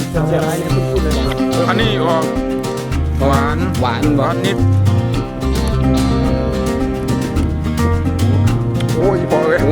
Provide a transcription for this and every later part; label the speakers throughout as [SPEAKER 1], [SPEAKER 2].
[SPEAKER 1] เสียร้ายเนี่ยคุณพูดเลย
[SPEAKER 2] อันนี้ออกหวาน
[SPEAKER 3] หวาน
[SPEAKER 2] นิดโอ้ยพอเลย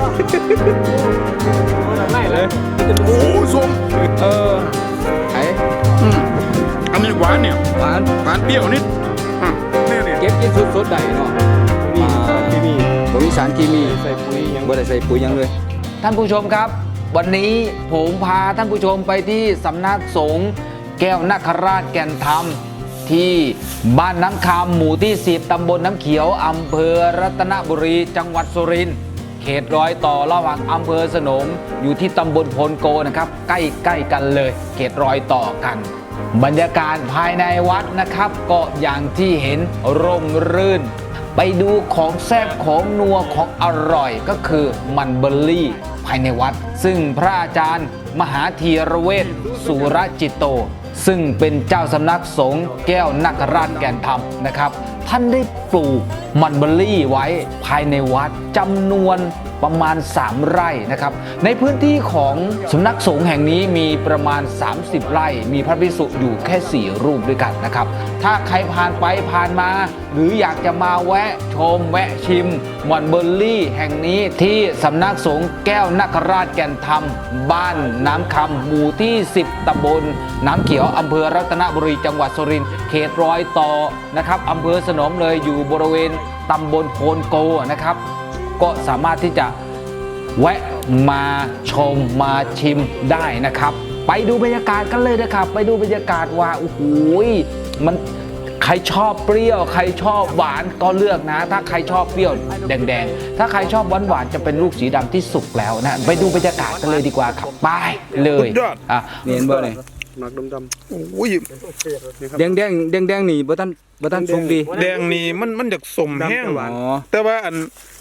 [SPEAKER 1] ไม่เลย
[SPEAKER 2] โอ้ส้ม
[SPEAKER 3] ไอ้
[SPEAKER 2] อันนี้หวานเนี่ย
[SPEAKER 3] หวาน
[SPEAKER 2] เปรี้ยวนิดเนี่ย
[SPEAKER 3] เก็บกินสดๆได้เนาะบ่มีสารเคมี
[SPEAKER 1] ใส่ปุ๋ยยัง
[SPEAKER 3] บ่ได้ใส่ปุ๋ยยังเลยท่านผู้ชมครับวันนี้ผมพาท่านผู้ชมไปที่สำนักสงฆ์แก้วนคราชแก่นธรรมที่บ้านน้ำคำหมู่ที่10ตำบลน้ำเขียวอำเภอรัตนบุรีจังหวัดสุรินทร์เขตรอยต่อระหว่างอำเภอสนมอยู่ที่ตำบลโพนโกนะครับใกล้กันเลยเขตรอยต่อกันบรรยากาศภายในวัดนะครับก็อย่างที่เห็นร่มรื่นไปดูของแซ่บของนัวของอร่อยก็คือมันเบอร์รี่ภายในวัดซึ่งพระอาจารย์มหาธีรเวชสุรจิตโตซึ่งเป็นเจ้าสำนักสงฆ์แก้วนคราชแก่นธรรมนะครับท่านได้ปลูกมันเบอร์รี่ไว้ภายในวัดจำนวนประมาณ3ไร่นะครับในพื้นที่ของสำนักสงฆ์แห่งนี้มีประมาณ30ไร่มีพระภิกษุอยู่แค่4รูปด้วยกันนะครับถ้าใครผ่านไปผ่านมาหรืออยากจะมาแวะชมแวะชิมมันเบอร์รี่แห่งนี้ที่สำนักสงฆ์แก้วนคราชแก่นธรรมบ้านน้ำคำหมู่ที่10ตำบลน้ำเขียวอำเภอรัตนบุรีจังหวัดสุรินทร์เขตรอยต่อนะครับอำเภอสนมเลยอยู่บริเวณตำบลโพนโกนะครับก็สามารถที่จะแวะมาชมมาชิมได้นะครับไปดูบรรยากาศกันเลยนะครับไปดูบรรยากาศว่าโอ้โหมันใครชอบเปรี้ยวใครชอบหวานก็เลือกนะถ้าใครชอบเปรี้ยวแดงๆถ้าใครชอบหวานจะเป็นลูกสีดำที่สุกแล้วนะไปดูบรรยากาศกันเลยดีกว่าครับไปเลยนี่เห็นบ่เนี่ย
[SPEAKER 1] หนักดำ
[SPEAKER 2] โอ้ย
[SPEAKER 3] แดงนี่บ่ทันสุกดี
[SPEAKER 2] แดงนี่มันจากสมแห้งหวานแต่ว่าอัน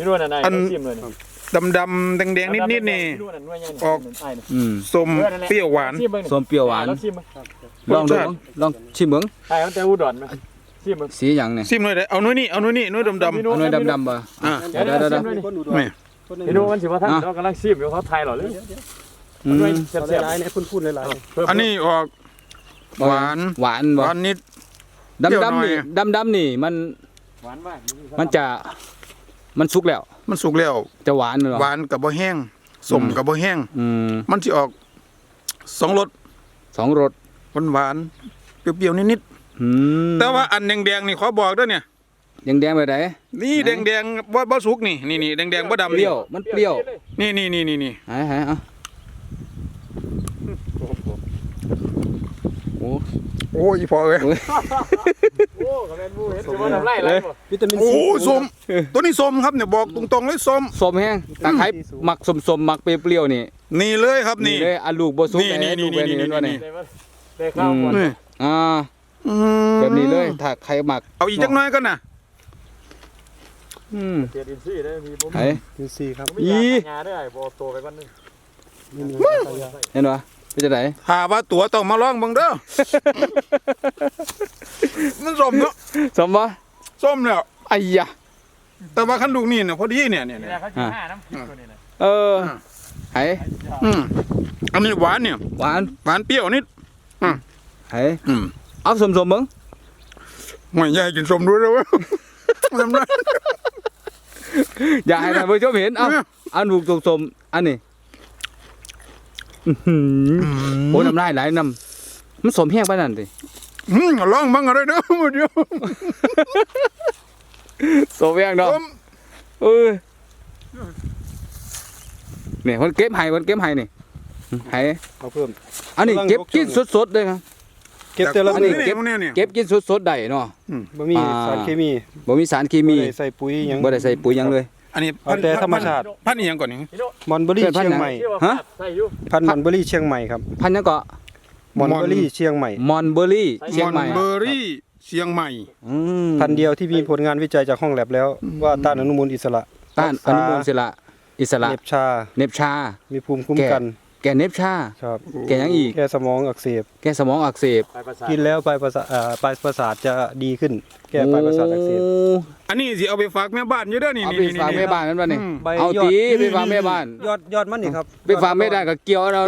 [SPEAKER 2] ดำแดงนิดนี่ออกส้มเปรี้ยวหวาน
[SPEAKER 3] ส้มเปรี้ยวหวานลองชิมเบิ่ง
[SPEAKER 1] ใช่มันแต่อุดรมั้ย
[SPEAKER 3] สีหยังเนี่ย
[SPEAKER 2] ชิมหน่อยได้เอาหน่อยนี่เอาหน่อยดำ
[SPEAKER 3] เอาหน่อยดำบ่
[SPEAKER 1] เดี๋ยวพี่ดูมันสิว่าท่านเรากำลังชิมอยู่เขาไทยหรอเลยด้วยเสียร้ายเนี่ยพูดหลาย
[SPEAKER 2] ๆอันนี้ออกหวานนิด
[SPEAKER 3] ดำนี่มัน
[SPEAKER 1] หวานมาก
[SPEAKER 3] มันสุกแล้วจะหวานเหรอ
[SPEAKER 2] หวานกับบ่แห้งส้มกับบ่แห้งมันสิออก2รสหวานเปรี้ยวนิดๆแต่ว่าอันแดงๆนี่ขอบอกด้วยเนี่ย
[SPEAKER 3] แดงแบบไหน
[SPEAKER 2] นี่แดงบ่สุกนี่แดงบ่ดำ
[SPEAKER 3] เปรี้ยวมันเปรี้ยว
[SPEAKER 2] นี่
[SPEAKER 3] หายเอา
[SPEAKER 2] โอ้ยพอเลย
[SPEAKER 1] โอ้กระเด็นบูเห็นจะว่าทำไรเลย
[SPEAKER 2] วิตามินซีโอ้ส้มตัวนี้ส้มครับเนี่ยบอกตรงๆเลยส้ม
[SPEAKER 3] แห้งตะไคร้หมักส้มหมักเปรี้ยว
[SPEAKER 2] นี่เลยครับนี่
[SPEAKER 3] เลยอันลูกบ่สุกนี่
[SPEAKER 1] ได้ข้าวก่อน
[SPEAKER 3] แบบนี้เลยถ้าใครหมัก
[SPEAKER 2] เอาอีกจักหน่อยก็นะ
[SPEAKER 1] เตียดินซี่ได้มีผม
[SPEAKER 3] ดินซี่ครับ
[SPEAKER 1] งาได้บ่โตไปก่อนนึง
[SPEAKER 3] เห็นป่ะเป็นจังได๋
[SPEAKER 2] หาว่าตัวต้องมาลองเบิ่งเด้อมันส้มเนาะ
[SPEAKER 3] ส้มบ่
[SPEAKER 2] ส้มแล้ว
[SPEAKER 3] ไอ้ยะ
[SPEAKER 2] แต่ว่าคันลูกนี่เนี่ยพอดีเนี่ย
[SPEAKER 1] เขาสิ5น้ำพริกตัวนี้นะ
[SPEAKER 3] ไห้
[SPEAKER 2] อันนี้หวานเนี่ย
[SPEAKER 3] หวาน
[SPEAKER 2] เปรี้ยวนิด
[SPEAKER 3] ไห้เอาส้มเบิ่ง
[SPEAKER 2] ไม่อยากกินส้มด้วยเว้ย
[SPEAKER 3] อยากให้ท่านผู้ชมเห็นเอาลูกส้มอันนี้โอ้น้ำลายไหลน้ำมันสมแห้งไปนั่นสิ
[SPEAKER 2] ลองบ้างอะไรเด้อมาเดียว
[SPEAKER 3] สมแห้งเนาะเนี่ยคนเก็บไห้นี่ไห้
[SPEAKER 1] เอาเพิ่ม
[SPEAKER 3] อันนี้เก็บกินสดๆเลยครับ
[SPEAKER 2] เก็บแต่ละ
[SPEAKER 3] นี่เก็บกินสดๆได้เนาะ
[SPEAKER 1] บ่มีสารเคมี
[SPEAKER 3] บ่
[SPEAKER 1] ใส่ปุ๋ยยัง
[SPEAKER 3] บ่ได้ใส่ปุ๋ยยังเลย
[SPEAKER 2] อันนี้
[SPEAKER 1] แต่ธรรมชาติ
[SPEAKER 2] พันธุ์ยังก่อนนี่
[SPEAKER 1] มอนเบอรี่เชียงใหม่
[SPEAKER 3] ฮะ
[SPEAKER 1] พันธุ์มอนเบอรี่เชียงใหม่ครับ
[SPEAKER 3] พันธุ์ยังก็
[SPEAKER 1] มอนเบอรี่เชียงใหม่
[SPEAKER 3] มอนเบอรี่เชียงใหม่
[SPEAKER 1] พันธุ์เดียวที่มีผลงานวิจัยจากห้องแลบแล้วว่าต้านอนุมูลอิสระเน็บชามีภูมิคุ้มกัน
[SPEAKER 3] แก่เน็บชา
[SPEAKER 1] ครับ
[SPEAKER 3] แก่ยังอีก
[SPEAKER 1] แก่สมองอักเสบกินแล้วปลายประสาทจะดีขึ้นแก้ปลายประสาทอักเสบ
[SPEAKER 2] อันนี้สิเอาไปฝากแม่บ้านอยู่เด้อนี่
[SPEAKER 3] เอาไปฝากแม่บ้านนั่นป่ะนี่เอาตีไปฝากแม่บ้าน
[SPEAKER 1] ยอดมันนี่ครับ
[SPEAKER 3] ไปฝากแม่ได้ก็เกี่ยวเรา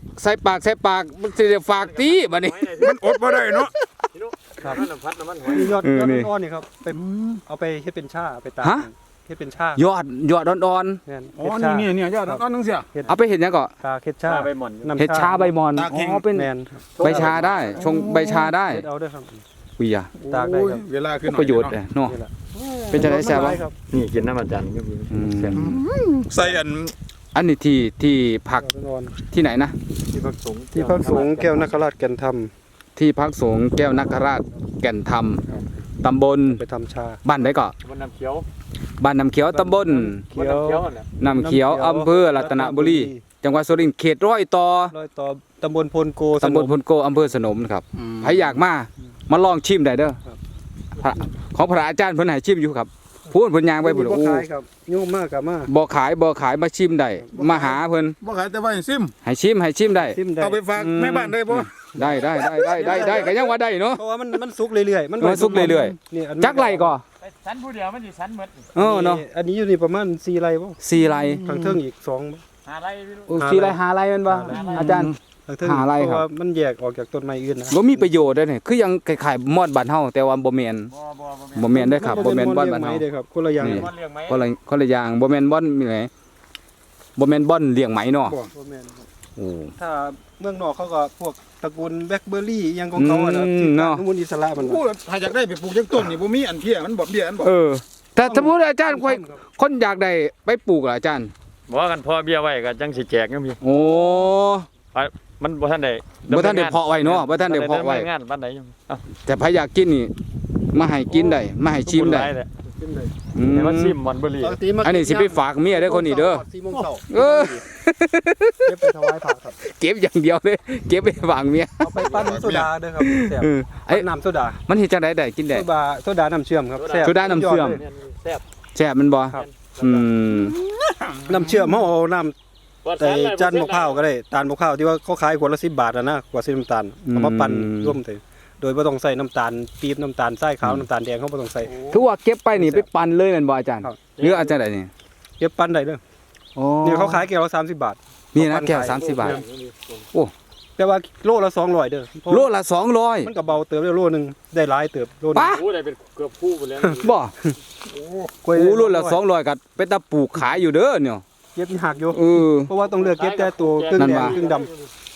[SPEAKER 3] ใส่ปากมันสิได้ฝากตีบัดนี้
[SPEAKER 2] มันอดบ่ได้เนาะ
[SPEAKER 1] ครับน้ำพัดน้ำมันหอย
[SPEAKER 4] นี่ยอด
[SPEAKER 3] นี่
[SPEAKER 4] อ่อนๆนี่ครับไปเอาไปเฮ็ดเป็นชาไปตาก
[SPEAKER 3] ฮะ
[SPEAKER 4] เฮ็ดเป็นชาย
[SPEAKER 3] อดอ่อน
[SPEAKER 4] แม่น
[SPEAKER 2] อ๋อ
[SPEAKER 4] เฮ็ดชา
[SPEAKER 2] นี่ยอดต้นนึงเสีย
[SPEAKER 3] ๆเอาไปเฮ็ดหยังก็
[SPEAKER 4] ตากเฮ็ดชา
[SPEAKER 1] ใบหม่อน
[SPEAKER 4] น้ำ
[SPEAKER 3] เฮ็ดชาใบมอน
[SPEAKER 2] ตากแห้ง
[SPEAKER 3] อ๋อเป็น
[SPEAKER 4] แม่นครับ
[SPEAKER 3] ใบชาได้ชงใบชาได้
[SPEAKER 4] เฮ็ดเอาเด้อครับ
[SPEAKER 3] อุ้ยอ่ะ
[SPEAKER 4] ตากได้ครับ
[SPEAKER 2] เวลาขึ้น
[SPEAKER 3] ประโยชน์เนาะ
[SPEAKER 4] นี่แหละ
[SPEAKER 3] เป็นจังได๋แซ่บบ่
[SPEAKER 4] ครับ
[SPEAKER 1] นี่กินน้ำมันจันทร์ก็มี
[SPEAKER 3] อืม
[SPEAKER 2] ใส่อัน
[SPEAKER 3] อันนี้ที่พัก
[SPEAKER 4] อ่อน
[SPEAKER 3] ที่ไหนนะ
[SPEAKER 1] ที่พักสงฆ์
[SPEAKER 4] ๆที่พักสงฆ์แก้วนคราชแก่นธรรม
[SPEAKER 3] ที่พักสงฆ์แก้วนคราชแก่นธรรมตำบล
[SPEAKER 4] ไปทำชา
[SPEAKER 3] บ้านไหนก็
[SPEAKER 1] มันน้ำเขียว
[SPEAKER 3] บ้านน้ำเขียวตำบล
[SPEAKER 4] เขียว
[SPEAKER 1] น่ะ
[SPEAKER 3] น้ำเขียวอำเภอรัตนบุรี จังหวัดสุรินทร์เขตร้อยต่อ
[SPEAKER 4] ร้อยต่อตำบลพลโก
[SPEAKER 3] ตำบลพลโกอำเภอสนมครับใครอยากมาลองชิมได้เด้อ
[SPEAKER 4] ครับ
[SPEAKER 3] พระของพระอาจารย์เพิ่นให้ชิมอยู่ครับพูดเพิ่นย่างไปพุ่น
[SPEAKER 4] บ่
[SPEAKER 3] โอ้
[SPEAKER 4] ขายครับยุ่งมากกับมา
[SPEAKER 3] บ่ขายมาชิมได้มาหาเพิ่น
[SPEAKER 2] บ่ขายแต่ว่าให้ซิม
[SPEAKER 3] ให้ชิมได้
[SPEAKER 4] ซิมได้
[SPEAKER 2] เอาไปฝากแม่บ้านได้บ่
[SPEAKER 3] ได้ก็ยังว่าได้เนาะ
[SPEAKER 4] เพราะว่ามันสุกเรื่อยๆ
[SPEAKER 3] มันสุกเรื่อย
[SPEAKER 4] นี่อัน
[SPEAKER 3] จักไรก็
[SPEAKER 1] สันผู้เดียวมันสิสันหมด
[SPEAKER 3] เนาะ
[SPEAKER 4] อันนี้อยู่นี่ประมาณ4ไร่บ่
[SPEAKER 3] 4ไร่
[SPEAKER 4] ทางเทิงอีก2
[SPEAKER 1] หาอะไรไม่รู้
[SPEAKER 3] โอ้4ไร่5ไร่แม่นบ่อาจารย์
[SPEAKER 4] ทางเทิง
[SPEAKER 3] หาไร่ครับ
[SPEAKER 4] เพราะว่ามันแยกออกจากต้นไม้อื่นนะ
[SPEAKER 3] บ่มีประโยชน์เด้อนี่คือยังคล้ายๆมอดบ้านเฮาแต่ว่าบ่แม่น บ่แม่นเด้อครับบ่แม่นบ่อนบ้านเฮา
[SPEAKER 4] เด้อครับคนละอย่าง
[SPEAKER 3] นี่
[SPEAKER 1] มันเลี้ยงไหม
[SPEAKER 3] คนละอย่างบ่แม่นบ่อนมีไหนบ่แม่นบ่อนเลี้ยงไหมเนาะ
[SPEAKER 4] บ่แม่นครับ
[SPEAKER 3] โอ้
[SPEAKER 4] ถ้าเมืองนอกเขาก็พวกตระกูลแบล็คเบอร์รี่อิหยังของเขาอะนะ
[SPEAKER 3] อืม
[SPEAKER 4] ที่
[SPEAKER 3] เนาะ
[SPEAKER 4] อนุมูลอิสระมัน
[SPEAKER 2] พูดถ้าอยากได้ไปปลูกจังต้นนี่บ่มีอันเพี้ยมันบ่เบี้ยอันบ่
[SPEAKER 3] เออแต่สมมุติอาจารย์คนอยากได้ไปปลูกล่ะอาจารย์
[SPEAKER 1] บอกกันพอเบี้ยไว้ก็จังสิแจกก็มี
[SPEAKER 3] โอ้
[SPEAKER 1] มันบ่ทันได้
[SPEAKER 3] บ่ทันได้เพาะไว้เนาะบ่ทันได้เพาะไว้
[SPEAKER 1] งานปานใดอยู่เอ้า
[SPEAKER 3] แต่ใครอยากกินนี่มาให้กินได้มาให้ชิมได้ อืม
[SPEAKER 1] แต่ว่าซิมมันบ่รี
[SPEAKER 4] ปกติมา
[SPEAKER 3] อันนี้สิไปฝากเมียเด้อคนนี้เด้อ
[SPEAKER 4] 4โมงเช้า
[SPEAKER 3] เออ
[SPEAKER 4] เก็บไปถวายพระครับ
[SPEAKER 3] เก็บอย่างเดียวเลยเก็บไปฝากเมีย
[SPEAKER 4] เอาไปปั้นโซดาเด้อครับแซ่บ
[SPEAKER 3] เออไอ้
[SPEAKER 4] น้ำโซดา
[SPEAKER 3] มันเฮ็ดจังได๋ได้กินได้
[SPEAKER 4] โซดาน้ำเชื่อมครับแซ่บ
[SPEAKER 3] โซดาน้ำเชื่อม
[SPEAKER 1] แซ่บ
[SPEAKER 3] แซ่บมันบ่
[SPEAKER 4] ครับ
[SPEAKER 3] อืม
[SPEAKER 4] น้ำเชื่อมเฮาเอาน้ำแต่จานมะพร้าวก็ได้ตาลมะพร้าวที่ว่าเขาขายขวดละ10 บาทอะนะขวดสีน้ำตาลเอามาปั่นร่วมเลยโดยบ่ต้องใส่น้ำตาลปี๊บน้ำตาลทรายขาวน้ำตาลแดงเขาบ่ต้องใส่
[SPEAKER 3] คือว่าเก็บไปนี่ไปปั่นเลยแม่นบ่อาจารย์
[SPEAKER 4] ครับ
[SPEAKER 3] หรืออาจารย์ใดนี่
[SPEAKER 4] เก็บปั่นได้เด้อ
[SPEAKER 3] โอ้
[SPEAKER 4] นี่เขาขายแก้วละ30 บาท
[SPEAKER 3] นี่นะแก้ว30 บาท
[SPEAKER 4] แต่ว่าโลละ200เด้อเพราะ
[SPEAKER 3] โลละ200
[SPEAKER 4] มันก็เบาเติบได้โลนึงได้หลายเติบโลนึง
[SPEAKER 3] ปะ
[SPEAKER 1] โอ้ได้เป็นเกือบคู่ไปแล้ว
[SPEAKER 3] บ่
[SPEAKER 4] กล้วย
[SPEAKER 3] โอ้โลละ200ก็เป็นตาปลูกขายอยู่เด้อเนี่ย
[SPEAKER 4] เก็บหักอยู่
[SPEAKER 3] เออ
[SPEAKER 4] เพราะว่าต้องเลือกเก็บแต่ตัวครึ่ง
[SPEAKER 3] นั่น
[SPEAKER 4] แดง
[SPEAKER 3] ว่า
[SPEAKER 4] ครึ่งดำ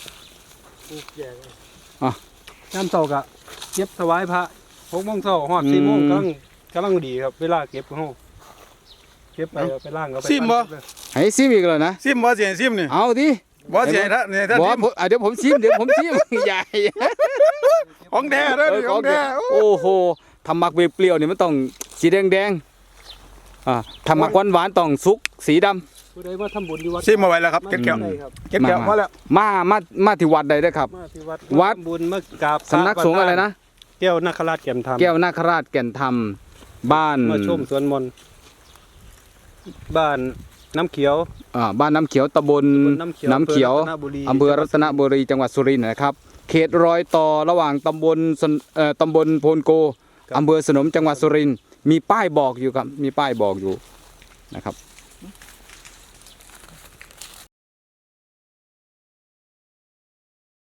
[SPEAKER 4] น้ำเช้าก็เก็บถวายพระ6โมงเช้าฮอด4โมงกำลังดีครับเวลาเก็บของเฮาเก็บไปล้างก็ไป
[SPEAKER 2] ซิมบ่
[SPEAKER 3] ให้ซิมอีกแล้วนะ
[SPEAKER 2] ซิมบ่สิให้ซิมนี่
[SPEAKER 3] เอาดิ
[SPEAKER 2] บ่สิให้ท่านนี่ท่าน
[SPEAKER 3] บ่
[SPEAKER 2] ซิม
[SPEAKER 3] เดี๋ยวผมชิมใหญ่
[SPEAKER 2] ของแท้เด้อนี่ของแท้
[SPEAKER 3] โอ้โหทำหมักเปรี้ยวๆนี่มันต้องสีแดงทำหมักหวานๆต้องสุกสีดำ
[SPEAKER 4] ผู้ใดมาทำบุญที่วัด
[SPEAKER 2] ซิมเอาไว้แล้วครับเก็บแก้ว
[SPEAKER 4] ได้ครับ
[SPEAKER 2] เก็บแก้วพอแล้ว
[SPEAKER 3] มาที่วัดใดเด้อครับ
[SPEAKER 4] มาที่วัด
[SPEAKER 3] วัด
[SPEAKER 4] ทำบุญมากราบ
[SPEAKER 3] สำนักสงฆ์อะไรนะ
[SPEAKER 4] แก้วนาคราชแก่นธรรม
[SPEAKER 3] แก้วนาคราชแก่นธรรมบ้าน
[SPEAKER 4] มาชมสวนมนต์บ้านน้ำเขียว
[SPEAKER 3] บ้านน้ำเขียวตำบลน้ำเขียวอำเภอรัตนบุรีจังหวัดสุรินทร์นะครับ เขตรอยต่อระหว่างตำบลโพนโกอำเภอสนมจังหวัดสุรินทร์มีป้ายบอกอยู่ครับมีป้ายบอกอยู่นะครับ